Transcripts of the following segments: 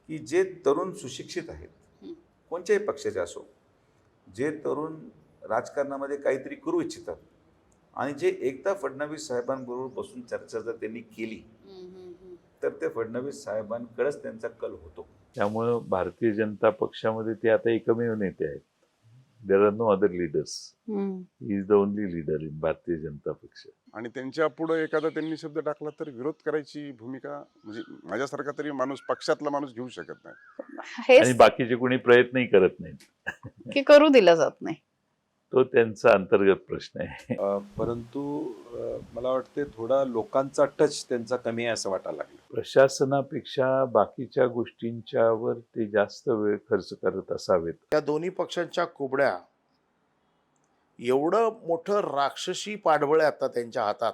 की जे तरुण सुशिक्षित आहेत, कोणत्याही पक्षाचे असो, जे तरुण राजकारणामध्ये काहीतरी करू इच्छितात आणि जे एकदा फडणवीस साहेबांबरोबर बसून चर्चा जर त्यांनी केली, तर ते फडणवीस साहेबांकडेच त्यांचा कल होतो. त्यामुळं भारतीय जनता पक्षामध्ये ते आता एकमेव नेते आहेत. There are no other leaders. He is the only leader in Bharatiya Janata पक्ष. आणि त्यांच्या पुढे एखादा त्यांनी शब्द टाकला तर विरोध करायची भूमिका म्हणजे माझ्यासारखा तरी माणूस पक्षातला माणूस घेऊ शकत नाही. आणि हेच बाकीचे कोणी प्रयत्नही करत नाहीत. की करू दिलं जात नाही. तो त्यांचा अंतर्गत प्रश्न आहे. परंतु मला वाटते थोडा लोकांचा टच त्यांचा कमी आहे असं वाटायला लागलं. प्रशासनापेक्षा बाकीच्या गोष्टींच्यावर ते जास्त वेळ खर्च करत असावेत. त्या दोन्ही पक्षांच्या कुबड्या एवढं मोठं राक्षसी पाठबळ आहे आता त्यांच्या हातात.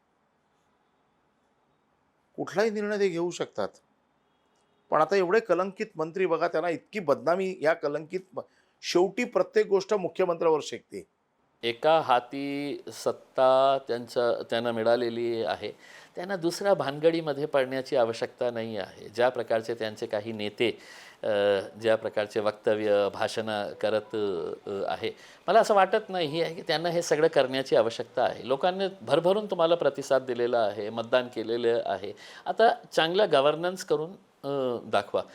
कुठलाही निर्णय ते घेऊ शकतात. पण आता एवढे कलंकित मंत्री बघा, त्यांना इतकी बदनामी या शेवटी प्रत्येक गोष्ट मुख्यमंत्र्यावर शेकते. एका हाती सत्ता त्यांना मिळालेली आहे. त्यांना दुसऱ्या भानगडीमध्ये पडण्याची आवश्यकता नाही आहे. ज्या प्रकारचे त्यांचे काही नेते ज्या प्रकारचे वक्तव्य भाषणं करत आहे, मला असं वाटत नाही आहे की त्यांना हे सगळं करण्याची आवश्यकता आहे. लोकांनी भरभरून तुम्हाला प्रतिसाद दिलेला आहे, मतदान केलेलं आहे. आता चांगलं गव्हर्नन्स करून दाखवा.